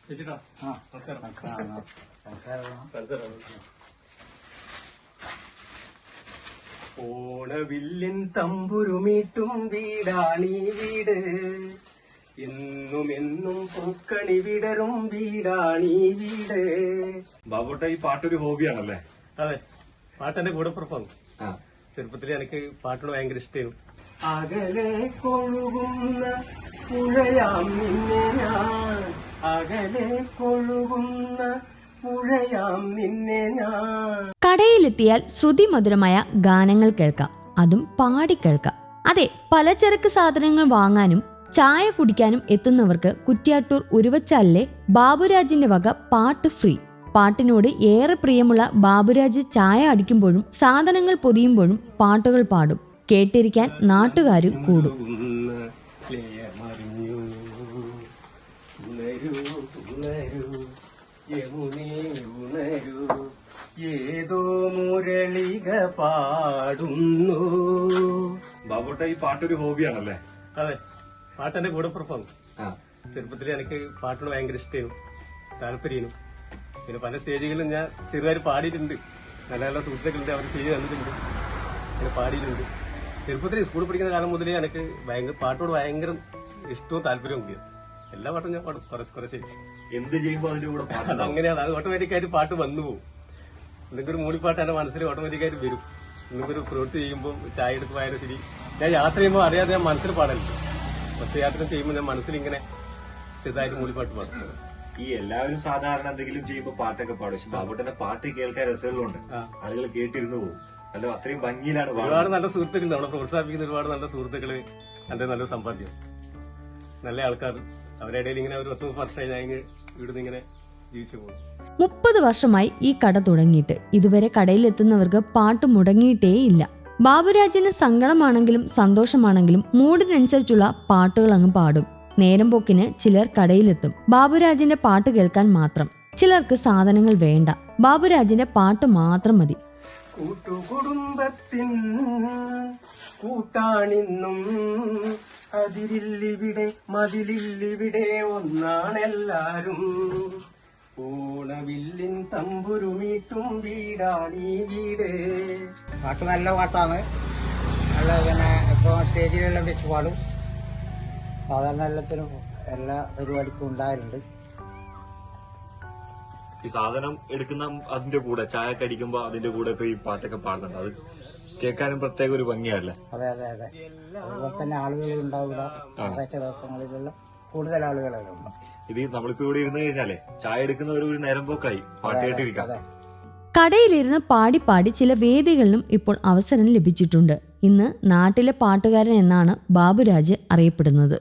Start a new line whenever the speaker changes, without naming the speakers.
ഓണവില്ലിൻ തമ്പുരുമീട്ടും വീടാണീ വീട്, എന്നും എന്നും പൂക്കണി വിടരും വീടാണീ വീട്.
ബാബുട്ട ഈ പാട്ടൊരു ഹോബിയാണല്ലേ?
അതെ, പാട്ടെന്റെ കൂടെ പുറപ്പാണ്. ചെറുപ്പത്തിൽ എനിക്ക് പാട്ടിനോട് ഭയങ്കര ഇഷ്ടമായിരുന്നു. അകലെ കൊഴുകുന്ന പുഴയാം നിന്നെ ഞാൻ, അകലെ കൊഴുകുന്ന പുഴയാം നിന്നെ ഞാൻ.
കടയിലെത്തിയാൽ ശ്രുതിമധുരമായ ഗാനങ്ങൾ കേൾക്കാം, അതും പാടി കേൾക്കാം. അതെ, പലചരക്ക് സാധനങ്ങൾ വാങ്ങാനും ചായ കുടിക്കാനും എത്തുന്നവർക്ക് കുറ്റ്യാട്ടൂർ ഉരുവച്ചാലിലെ ബാബുരാജിന്റെ വക പാട്ട് ഫ്രീ. പാട്ടിനോട് ഏറെ പ്രിയമുള്ള ബാബുരാജ് ചായ അടിക്കുമ്പോഴും സാധനങ്ങൾ പൊതിയുമ്പോഴും പാട്ടുകൾ പാടും. കേട്ടിരിക്കാൻ നാട്ടുകാരും കൂടും.
ഏതോ മുരളിക പാടുന്നു.
ബാബുട്ട ഈ പാട്ടൊരു ഹോബിയാണല്ലേ?
അതെ, പാട്ടെന്റെ കൂടെ പുറപ്പാണ്. ചെറുപ്പത്തിൽ എനിക്ക് പാട്ടിനോട് ഭയങ്കര ഇഷ്ടമായിരുന്നു, താല്പര്യമായിരുന്നു. പിന്നെ പല സ്റ്റേജുകളിലും ഞാൻ ചെറുതായി പാടിയിട്ടുണ്ട്. നല്ല നല്ല സുഹൃത്തുക്കളുണ്ട്, അവർ സ്റ്റേജ് തന്നിട്ടുണ്ട്, അങ്ങനെ പാടിയിട്ടുണ്ട്. ചെറുപ്പത്തിൽ സ്കൂളിൽ പഠിക്കുന്ന കാലം മുതലേ എനിക്ക് പാട്ടോട് ഭയങ്കര ഇഷ്ടവും താല്പര്യവും ഉണ്ട്. എല്ലാ പാട്ടും ഞാൻ പാടും, കുറച്ച്
എന്ത് ചെയ്യുമ്പോൾ അതിന്റെ കൂടെ
അങ്ങനെയാണ്. അത് ഓട്ടോമാറ്റിക്കായിട്ട് പാട്ട് വന്നു പോകും. എന്തെങ്കിലും ഒരു മൂളിപ്പാട്ട് എന്റെ മനസ്സിൽ ഓട്ടോമാറ്റിക്കായിട്ട് വരും. എന്തെങ്കിലും ഒരു പ്രവൃത്തി ചെയ്യുമ്പോൾ, ചായ എടുത്ത് പോയാലും ശരി, ഞാൻ യാത്ര ചെയ്യുമ്പോൾ അറിയാതെ ഞാൻ മനസ്സിൽ പാടലുണ്ട്. ബസ് യാത്ര ചെയ്യുമ്പോൾ ഞാൻ മനസ്സിലിങ്ങനെ ചെറുതായിട്ട് മൂളിപ്പാട്ട് പാടും.
ഈ എല്ലാവരും സാധാരണ എന്തെങ്കിലും ചെയ്യുമ്പോൾ പാട്ടൊക്കെ പാടും, പക്ഷെ ബാബുട്ടന്റെ പാട്ട് കേൾക്കാൻ രസങ്ങളുണ്ട്, ആളുകൾ കേട്ടിരുന്നു പോകും. അല്ല, അത്രയും ഭംഗിയിലാണ്.
ഒരുപാട് നല്ല സുഹൃത്തുക്കളുണ്ട്, നമ്മളെ പ്രോത്സാഹിപ്പിക്കുന്ന ഒരുപാട് നല്ല സുഹൃത്തുക്കള്, എന്റെ നല്ല സമ്പാദ്യം, നല്ല ആൾക്കാർ. അവരുടെ ഇടയിൽ ഇങ്ങനെ ഒരു 10 വർഷമായി ഞാൻ ഇവിടുന്ന് ഇങ്ങനെ ജീവിച്ചു പോകും.
30 വർഷമായി ഈ കട തുടങ്ങിയിട്ട് ഇതുവരെ കടയിലെത്തുന്നവർക്ക് പാട്ട് മുടങ്ങിയിട്ടേയില്ല. ബാബുരാജിന് സങ്കടമാണെങ്കിലും സന്തോഷമാണെങ്കിലും മൂഡിനനുസരിച്ചുള്ള പാട്ടുകൾ അങ്ങ് പാടും. നേരം പോക്കിന് ചിലർ കടയിലെത്തും ബാബുരാജിന്റെ പാട്ട് കേൾക്കാൻ മാത്രം. ചിലർക്ക് സാധനങ്ങൾ വേണ്ട, ബാബുരാജിന്റെ പാട്ട് മാത്രം മതി.
കൂട്ടുകുടുംബത്തിൻ കൂട്ടാണിന്നും അതിരില്ലിവിടെ മതിലില്ലിവിടെ ഒന്നാണെല്ലാരും. ഓണവില്ലിൻ തമ്പുരുമീട്ടും വീടാണീ വീട്.
പാട്ട് നല്ല പാട്ടാണ്. നല്ല പിന്നെ ഇപ്പോൾ സ്റ്റേജിലെല്ലാം വെച്ച് പാടും. സാധാരണ എല്ലാത്തിനും എല്ലാ പരിപാടിക്കും ഉണ്ടായിട്ടുണ്ട്.
ഈ സാധനം എടുക്കുന്ന അതിന്റെ കൂടെ ചായ കടിക്കുമ്പോ അതിന്റെ കൂടെ ഒക്കെ ഈ പാട്ടൊക്കെ പാടുന്നുണ്ട്. അത് കേൾക്കാനും പ്രത്യേക ഒരു ഭംഗിയല്ലേ?
അതെ അതെ അതെ. അതുപോലെ തന്നെ ആളുകൾ ഉണ്ടാവില്ല. ഞായറാഴ്ച ദിവസങ്ങളിലെല്ലാം കൂടുതൽ ആളുകളെല്ലാം ഉണ്ട്.
ഇത് നമ്മളിപ്പോ ഇവിടെ ഇരുന്ന് കഴിഞ്ഞാലേ ചായ എടുക്കുന്ന ഒരു നേരം പോക്കായി പാട്ട് കേട്ടിരിക്കാം.
കടയിലിരുന്ന് പാടി പാടി ചില വേദികളിലും ഇപ്പോൾ അവസരം ലഭിച്ചിട്ടുണ്ട്. ഇന്ന് നാട്ടിലെ പാട്ടുകാരൻ എന്നാണ് ബാബുരാജ് അറിയപ്പെടുന്നത്.